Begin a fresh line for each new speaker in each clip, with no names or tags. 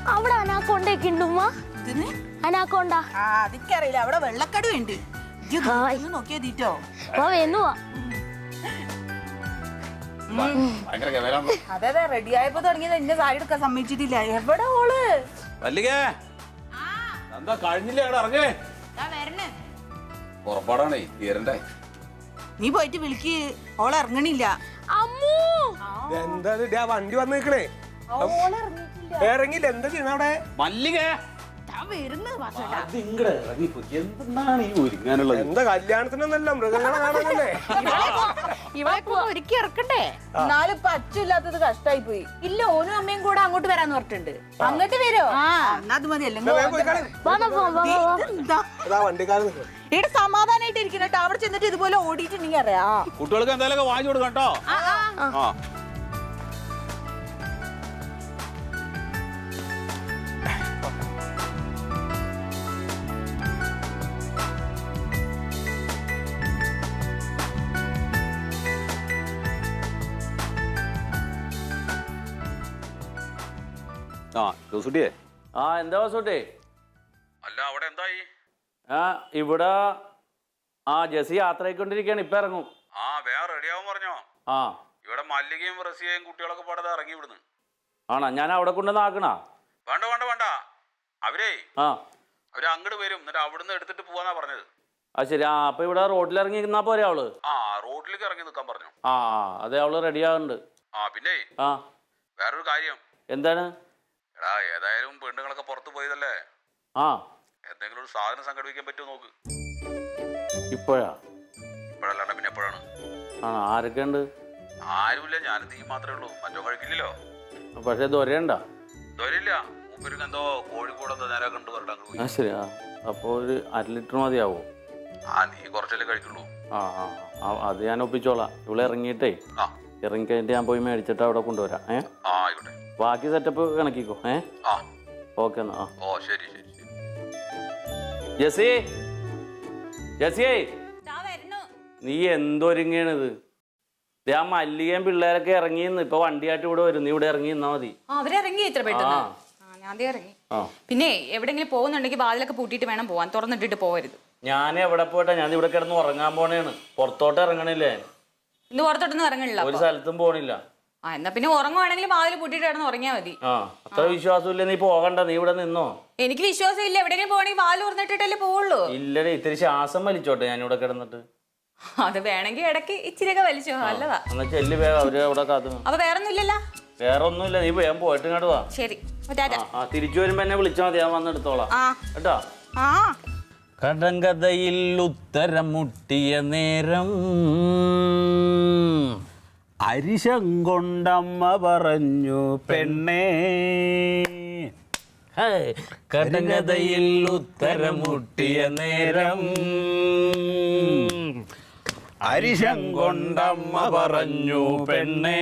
അവിടെ അനാക്കൊണ്ടൊക്കെ ഉണ്ട് ഉമ്മ. അനാക്കൊണ്ട
അതിക്കറിയില്ല. അവിടെ വെള്ളക്കട ഉണ്ട്. നോക്കിയാ തീറ്റോ
വേന്നുവാ.
അതെ അതെ റെഡി ആയപ്പോ തുടങ്ങിയത് എന്നെ സാരി എടുക്കാൻ സമ്മതിച്ചിട്ടില്ല. എവിടെ ഓള്
എന്താ കഴിഞ്ഞില്ലേ ഇറങ്ങേ പുറപ്പാടാണേ തീരണ്ടേ.
നീ പോയിട്ട് വിളിക്ക്. ഓള് ഇറങ്ങണില്ല.
അമ്മൂ
എന്താ വണ്ടി വന്ന് നിക്കണേ? ഇറങ്ങില്ല. എന്താ ചെയ്യണ അവിടെ?
മല്ലിക
എന്താ കല്യാണത്തിനൊന്നല്ല മൃഗങ്ങളെ കാണാനല്ലേ?
ഇവളെ ഒരുക്കി ഇറക്കണ്ടേ? എന്നാലും ഇപ്പൊ അച്ഛല്ലാത്തത് കഷ്ടായി പോയി. ഇല്ല ഓനും അമ്മയും കൂടെ അങ്ങോട്ട് വരാന്ന് പറഞ്ഞിട്ടുണ്ട്. അങ്ങോട്ട് വരോ? അത് മതിയല്ലോ. ഇവിടെ സമാധാനായിട്ട് ഇരിക്കണട്ടോ. അവിടെ ചെന്നിട്ട് ഇതുപോലെ ഓടിയിട്ടുണ്ടെങ്കിൽ അറിയാ.
കുട്ടികൾക്ക് എന്തായാലും വാങ്ങിച്ചു കൊടുക്കാം കേട്ടോ. ജോസൂട്ടിയെ
എന്താ വാസൂട്ടി?
അല്ല അവിടെ എന്തായി?
ഇവിടെ ജെസി യാത്ര ആയിക്കൊണ്ടിരിക്കുകയാണ്. ഇപ്പൊ ഇറങ്ങും.
വേറെ റെഡിയാവും പറഞ്ഞോ? ഇവിടെ മല്ലികയും റസിയയും കുട്ടികളൊക്കെ പാടത് ഇറങ്ങി വിടുന്നു.
ആണോ? ഞാൻ അവിടെ കൊണ്ടുവന്ന് ആക്കണ?
വേണ്ട വേണ്ട വേണ്ട. അവരെ അങ്ങോട്ട് വരും. എന്നിട്ട് അവിടുന്ന് എടുത്തിട്ട് പോവാന്നാ പറഞ്ഞത്.
ശരി. അപ്പൊ ഇവിടെ റോഡിൽ ഇറങ്ങി നിന്നാ പോരെ അവള്?
റോഡിലേക്ക് ഇറങ്ങി നിൽക്കാൻ പറഞ്ഞു.
അതെ അവള് റെഡി ആവുന്നുണ്ട്.
പിന്നെ വേറൊരു കാര്യം.
എന്താണ്?
എടാ ഏതായാലും പെണ്ണുങ്ങളൊക്കെ പുറത്തു പോയതല്ലേ. എന്തെങ്കിലും ഒരു സാധനം സംഘടിപ്പിക്കാൻ പറ്റുമോ നോക്ക്. ഇപ്പോഴല്ലാണ്ട് പിന്നെ എപ്പോഴാണ്?
ആരൊക്കെ ഉണ്ട്?
ആരുമില്ല. ഞാനും തീ മാത്രമേ ഉള്ളൂ. മറ്റോ കഴിക്കില്ലല്ലോ.
പക്ഷെ ദൊരയുണ്ട?
ദൊരയില്ല. മൂപ്പർക്ക് എന്തോ കോഴിക്കോട് എന്തോ നേരെ കണ്ടു പറഞ്ഞിട്ട്.
ശരി. അപ്പൊ ഒരു 1/2 ലിറ്റർ മതിയാവോ?
നീ കുറച്ചല്ലേ കഴിക്കുള്ളൂ.
അത് ഞാൻ ഒപ്പിച്ചോളാം. ഇവിടെ ഇറങ്ങിയിട്ടേ ഇറങ്ങിക്കഴിഞ്ഞിട്ട് ഞാൻ പോയി മേടിച്ചിട്ട് അവിടെ കൊണ്ടുവരാം.
ആയിക്കോട്ടെ.
ബാക്കി സെറ്റപ്പ് കണക്കിക്കോ. ഓക്കെ എന്നാ.
ശരി ശരി.
ജെസി ജെസിയേ, നീ എന്തൊരുങ്ങിയാണിത്? ആ മല്ലികയും പിള്ളേരൊക്കെ ഇറങ്ങിന്ന്. ഇപ്പൊ വണ്ടിയായിട്ട് ഇവിടെ വരും. നീ ഇവിടെ ഇറങ്ങി നിന്നാ മതി.
അവരിറങ്ങി ഇത്ര പെട്ടെന്ന്? ഞാൻ ഇറങ്ങി. പിന്നെ എവിടെങ്കിലും പോകുന്നുണ്ടെങ്കിൽ വാതിലൊക്കെ പൂട്ടിയിട്ട് വേണം പോവാൻ. തുറന്നിട്ടിട്ട് പോവരുത്.
ഞാൻ എവിടെ പോട്ടെ? ഞാൻ ഇവിടെ കിടന്ന് ഉറങ്ങാൻ പോണേണ്. പുറത്തോട്ട് ഇറങ്ങണില്ലേ?
ഇന്ന് പുറത്തോട്ടൊന്നും ഇറങ്ങണില്ല.
ഒരു സ്ഥലത്തും പോണില്ല.
എന്നാ പിന്നെ ഉറങ്ങുവാണെങ്കിൽ വാതിൽ പൂട്ടിയിട്ട് കിടന്ന് ഉറങ്ങിയാ മതി.
അത്ര വിശ്വാസമില്ല. നീ പോകണ്ട. നീ ഇവിടെ നിന്നോ.
എനിക്ക് വിശ്വാസം ഇല്ല. എവിടെയെങ്കിലും പോകണമെങ്കിൽ വാതിൽ തുറന്നിട്ടിട്ടല്ലേ പോവുള്ളൂ.
ഇല്ലടേ, ഇത്തിരി ശ്വാസം വലിച്ചോട്ടെ ഞാൻ ഇവിടെ കിടന്നിട്ട്.
അത് വേണമെങ്കിൽ ഇടയ്ക്ക് ഇച്ചിരിയൊക്കെ വലിച്ചോ. നല്ലതാ.
എന്നാ ചെല്ലി വേഗം. അവര് അവിടെ കാത്തു.
അപ്പൊ വേറൊന്നും ഇല്ലല്ലോ?
വേറെ ഒന്നുമില്ല. നീ വേഗം പോയിട്ട് ഇങ്ങോട്ട് വാ.
ശരി.
തിരിച്ചു വരുമ്പോ എന്നെ വിളിച്ചാൽ മതി. ഞാൻ വന്നെടുത്തോളാം കേട്ടോ. കടങ്കഥയിൽ ഉത്തരം മുട്ടിയ നേരം അരിശം കൊണ്ടമ്മ പറഞ്ഞു പെണ്ണേ. കടങ്കഥയിൽ ഉത്തരം മുട്ടിയ നേരം അരിശം കൊണ്ടമ്മ പറഞ്ഞു പെണ്ണേ.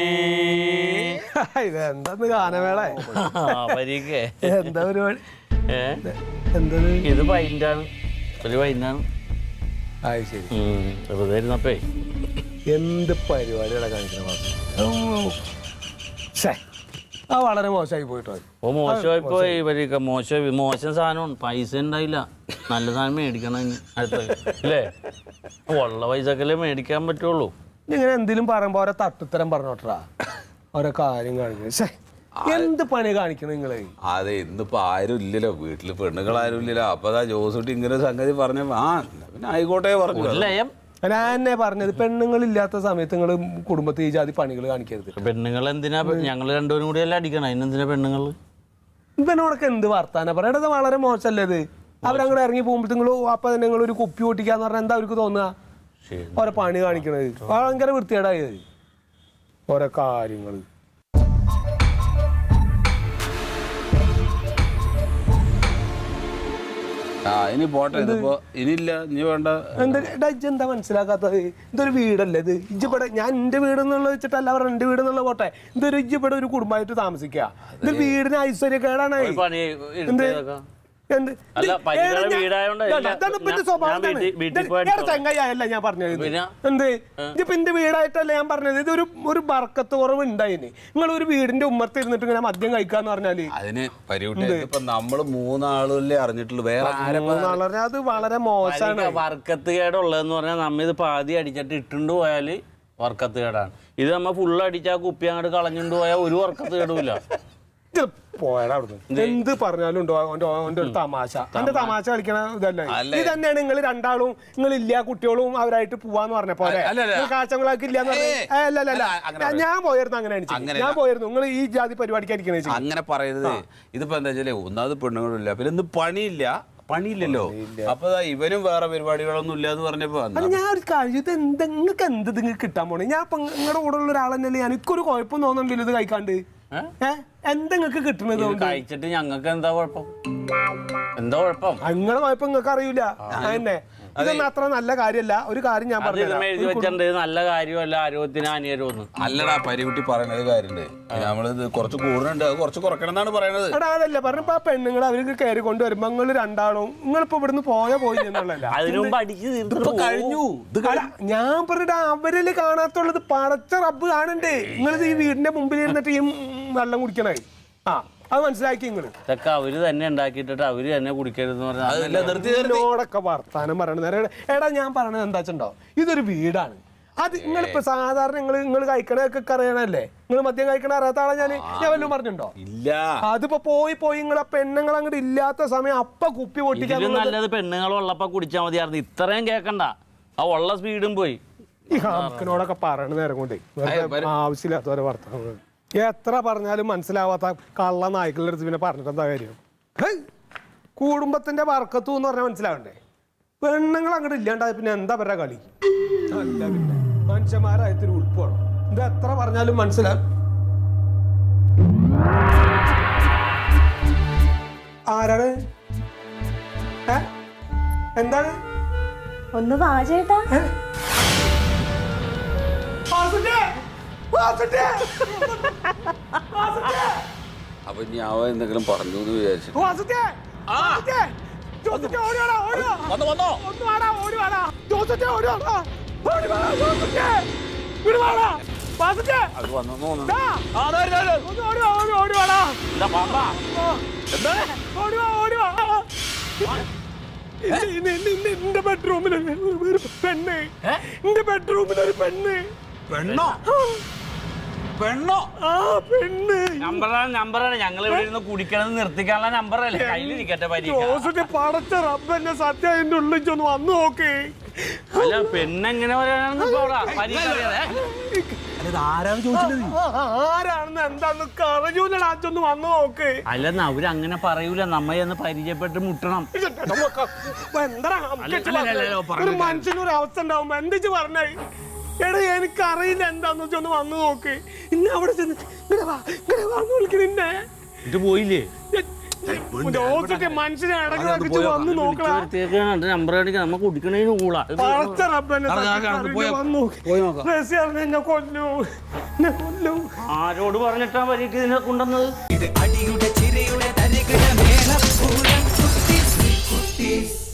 ഇതെന്താന്ന് ഗാനമേള? എന്താ പരിപാടി?
ഇത് പൈൻ്റാണ്. ഒരു പൈൻ്റാണ്.
ശരി.
വെറുതെ ഇരുന്നപ്പേ
എന്ത് പരിപാടികളെ കാണിക്കണം. വളരെ മോശമായി പോയിട്ടോ.
മോശമായി പോയി. ഇവരൊക്കെ മോശം സാധനമാണ്. പൈസ ഉണ്ടായില്ല. നല്ല സാധനം മേടിക്കണം അടുത്ത അല്ലേ? ഉള്ള പൈസക്കല്ലേ മേടിക്കാൻ പറ്റുള്ളൂ.
ഇങ്ങനെ എന്തെങ്കിലും പറയുമ്പോ ഓരോ തട്ടുത്തരം പറഞ്ഞോട്ടാ. ഓരോ കാര്യം കാണിക്കണം. എന്ത് പണി കാണിക്കണം നിങ്ങള്?
അതെ, ഇന്നിപ്പോ ആരും ഇല്ലല്ലോ വീട്ടില്. പെണ്ണുങ്ങൾ ആരും ഇല്ലല്ലോ. അപ്പൊ ജോസൂട്ടി ഇങ്ങനെ സംഗതി പറഞ്ഞ പിന്നെ ആയിക്കോട്ടെ പറഞ്ഞു.
ഞാൻ എന്നെ പറഞ്ഞത് പെണ്ണുങ്ങളില്ലാത്ത സമയത്ത് നിങ്ങള് കുടുംബത്തിൽ ഈ ജാതി പണികൾ കാണിക്കരുത്.
പെണ്ണുങ്ങൾ എന്തിനാ? ഞങ്ങൾ രണ്ടുപേരും കൂടി അല്ല അടിക്കണം. അതിനെന്തിനാ പെണ്ണുങ്ങള്?
ഇവനോടൊക്കെ എന്ത് വർത്താന പറയണത്? വളരെ മോശമല്ലേ ഇത്? അവരങ്ങോട്ട് ഇറങ്ങി പോകുമ്പോൾ നിങ്ങൾ അപ്പൊ തന്നെ നിങ്ങൾ ഒരു കുപ്പി പൊട്ടിക്കാന്ന് പറഞ്ഞാൽ എന്താ അവർക്ക് തോന്നുക? ഓരോ പണി കാണിക്കണത് ഭയങ്കര വൃത്തികേടായത്. ഓരോ കാര്യങ്ങൾ.
ഇനി പോട്ടെ. ഇനിയില്ല. ഇനി വേണ്ട.
എന്താ മനസ്സിലാക്കാത്തത്? ഇതൊരു വീടല്ലേ ഇത്? ഇജ്ജിപ്പടെ ഞാൻ എന്റെ വീട് എന്നുള്ള വെച്ചിട്ടല്ല അവർ എന്റെ വീട് എന്നുള്ള പോട്ടെ. ഇതൊരു ഇജ്ജിപ്പടെ ഒരു കുടുംബമായിട്ട് താമസിക്കുക. ഇത് വീടിന് ഐശ്വര്യക്കേടാണ്. എന്ത്
അല്ല, പരിചയമുള്ള വീടായോണ്ട്
ചങ്ങായല്ല ഞാൻ പറഞ്ഞത്.
പിന്നെ?
എന്ത് ഇതിപ്പോ എന്റെ വീടായിട്ടല്ല ഞാൻ പറഞ്ഞത്. ഇതൊരു ഒരു ബർക്കത്ത് കുറവ് ഉണ്ടായിന്. നിങ്ങൾ ഒരു വീടിന്റെ ഉമ്മർത്ത് ഇരുന്നിട്ട് ഇങ്ങനെ മദ്യം കഴിക്കാന്ന് പറഞ്ഞാല്
അതിന് പരിവിട്ട് ഇപ്പൊ നമ്മള് മൂന്നാളല്ലേ അറിഞ്ഞിട്ടുള്ളൂ, വേറെ
വളരെ അത് വളരെ മോശമാണ്.
വർക്കത്ത് കേടുള്ളതെന്ന് പറഞ്ഞാൽ നമ്മ ഇത് പാതി അടിച്ചിട്ട് ഇട്ടുകൊണ്ട് പോയാല് വർക്കത്ത് കേടാണ്. ഇത് നമ്മ ഫുള്ള് അടിച്ചാൽ കുപ്പി അങ്ങോട്ട് കളഞ്ഞുകൊണ്ട് പോയാൽ ഒരു വർക്കത്ത് കേടുമില്ല.
പോയാ അവിടുന്ന് എന്ത് പറഞ്ഞാലും ഉണ്ടോ അവന്റെ ഒരു തമാശ. എന്റെ തമാശ കളിക്കണ ഇതല്ലേ. ഇത് തന്നെയാണ് നിങ്ങൾ രണ്ടാളും നിങ്ങൾ ഇല്ല കുട്ടികളും അവരായിട്ട് പോവാന്ന് പറഞ്ഞ പോലെ കാച്ചങ്ങളാക്കി ഇല്ലാന്ന് പറഞ്ഞ ഞാൻ പോയിരുന്നു. അങ്ങനെയാണ് ഞാൻ പോയിരുന്നു. നിങ്ങൾ ഈ ജാതി പരിപാടിക്കായിരിക്കണേ
അങ്ങനെ പറയുന്നത്. ഇതിപ്പോ എന്താ വെച്ചാലേ ഒന്നാമത് പെണ്ണുങ്ങളില്ല, പിന്നെ ഇന്ന് പണിയില്ലല്ലോ. അപ്പൊ ഇവനും വേറെ പരിപാടികളൊന്നും ഇല്ല എന്ന് പറഞ്ഞപ്പോ
ഞാൻ ഒരു കാര്യം, ഇത് നിങ്ങൾക്ക് എന്ത് നിങ്ങൾക്ക് കിട്ടാൻ പോണേ? ഞാൻ ഇപ്പൊ നിങ്ങളുടെ കൂടെ ഉള്ള ഒരാളെന്നല്ലേ. എനിക്കൊരു കുഴപ്പം തോന്നുന്നുണ്ടല്ലോ ഇത് കഴിക്കാണ്ട്. എന്തെങ്ങൾക്ക് കിട്ടണത്
കഴിച്ചിട്ട് ഞങ്ങൾക്ക് എന്താ കുഴപ്പം?
നിങ്ങളെ കുഴപ്പം നിങ്ങൾക്ക് അറിയില്ല. അതന്നെ ഇതൊന്നും അത്ര നല്ല കാര്യമല്ല. ഒരു കാര്യം ഞാൻ
പറഞ്ഞു, നല്ല കാര്യമല്ല, ആരോഗ്യത്തിന് ഹാനികരമൊന്നും
അല്ലടാ. പരികുട്ടി പറയണത് കാര്യണ്ട്, നമ്മളിത് കുറച്ച് കൂടുന്നുണ്ട്, അത് കുറച്ച് കുറക്കണം എന്നാണ് പറയണത്.
എടാ അതല്ലേ പറഞ്ഞപ്പോ ആ പെണ്ണുങ്ങൾ അവർക്ക് കയറി കൊണ്ടുവരുമ്പോ നിങ്ങൾ രണ്ടാളും നിങ്ങളിപ്പോ ഇവിടുന്ന് പോയി എന്നുള്ളതല്ല.
അതിനുമുമ്പ് അടിച്ച്
കഴിഞ്ഞു.
ഞാൻ പറഞ്ഞിട്ട് അവരില് കാണാത്തുള്ളത് പടച്ച റബ്ബ് കാണണ്ടേ. നിങ്ങളിത് ഈ വീടിന്റെ മുമ്പിൽ ഇരുന്നിട്ട് ഈ വെള്ളം കുടിക്കണേ. അത് മനസ്സിലാക്കി നിങ്ങള്.
ഇതൊക്കെ അവര് തന്നെ ഉണ്ടാക്കിയിട്ട് അവര് തന്നെ കുടിക്കരുതെന്ന്
പറഞ്ഞോടൊക്കെ വർത്താനം പറയണ. എടാ ഞാൻ പറയണത് എന്താ വെച്ചിട്ടുണ്ടോ, ഇതൊരു വീടാണ്. അത് നിങ്ങളിപ്പോ സാധാരണ നിങ്ങൾ കഴിക്കണൊക്കെ അറിയണല്ലേ. നിങ്ങൾ മദ്യം കഴിക്കണ അറിയാത്ത ആളെ ഞാൻ വല്ലതും പറഞ്ഞിട്ടുണ്ടോ?
ഇല്ല.
അതിപ്പോ പോയി നിങ്ങൾ ആ പെണ്ണുങ്ങൾ അങ്ങോട്ട് ഇല്ലാത്ത സമയം അപ്പ കുപ്പി പൊട്ടിക്കാൻ
നല്ലത് പെണ്ണുങ്ങളുള്ളപ്പോ കുടിച്ചാൽ മതിയായിരുന്നു. ഇത്രയും കേക്കണ്ട, ആ ഉള്ള സ്പീഡും പോയി.
ഈ ഹാമക്കിനോടൊക്കെ പറയണ നേരം കൊണ്ടേ ആവശ്യമില്ലാത്തവരെ വർത്താനം. എത്ര പറഞ്ഞാലും മനസ്സിലാവാത്ത കള്ള നായ്ക്കളുടെ അടുത്ത് പിന്നെ പറഞ്ഞിട്ട് എന്താ കാര്യം? കുടുംബത്തിന്റെ വർക്കത്തു എന്ന് പറഞ്ഞാൽ മനസ്സിലാവണ്ടേ? പെണ്ണുങ്ങൾ അങ്ങോട്ട് ഇല്ലാണ്ടായ പിന്നെ എന്താ പറയാ കളി? അല്ല പിന്നെ മനുഷ്യന്മാരായത്തൊരു ഉൾപ്പാണ്. ഇത് എത്ര പറഞ്ഞാലും മനസ്സിലാവും. ആരാണ്? എന്താണ്?
ഒന്ന് വാ ചേട്ടാ.
അപ്പൊ ഞാൻ എന്തെങ്കിലും പറഞ്ഞു എന്ന് വിചാരിച്ചു.
എന്റെ ബെഡ്റൂമിൽ ഒരു പെണ്ണ്. എന്റെ ബെഡ്റൂമിൽ ഒരു പെണ്ണ്.
പെണ്ണോ?
ആ പെണ്ണ്
നമ്പറാണ്. ഞങ്ങൾ ഇവിടെ ഇരുന്ന് കുടിക്കണത് നിർത്തിക്കാനുള്ള നമ്പറല്ലേ കയ്യിലിരിക്കട്ടെ.
പടച്ച റബ്ബന്നെ സത്യം അതിന്റെ ഉള്ളിച്ചൊന്ന് വന്നു നോക്ക്.
അല്ല പെണ്ണെങ്ങനെ പറയാണെന്ന്
ആരാണെന്ന് എന്താന്ന് അറിയൂലടാച്ചൊന്ന് വന്നു നോക്ക്.
അല്ലെന്ന് അവരങ്ങനെ പറയൂല, നമ്മ എന്ന് പരിചയപ്പെട്ട് മുട്ടണം.
ഒരു മനുഷ്യനൊരു അവസ്ഥ ഉണ്ടാവുമ്പോ എന്തിച്ച് പറഞ്ഞേ? എടാ എനിക്കറിയില്ല എന്താന്ന് വെച്ചൊന്ന് വന്നു നോക്ക്. ഇന്ന് അവിടെ ചെന്ന് വിളിക്കണേ
ഇത് പോയില്ലേ?
മനുഷ്യനെ അടങ്ങി വന്നു നോക്കണം.
നമ്പർ അടിക്കാൻ നമ്മ കുടിക്കണേന് കൂടാ
കൊല്ലും.
ആരോട് പറഞ്ഞിട്ടാ വരിക്ക് ഇതിനെ കൊണ്ടുവന്നത്?
അടിയുടെ ചിരയുടെ തരികിട മേളപ്പൂരം കുട്ടീസ്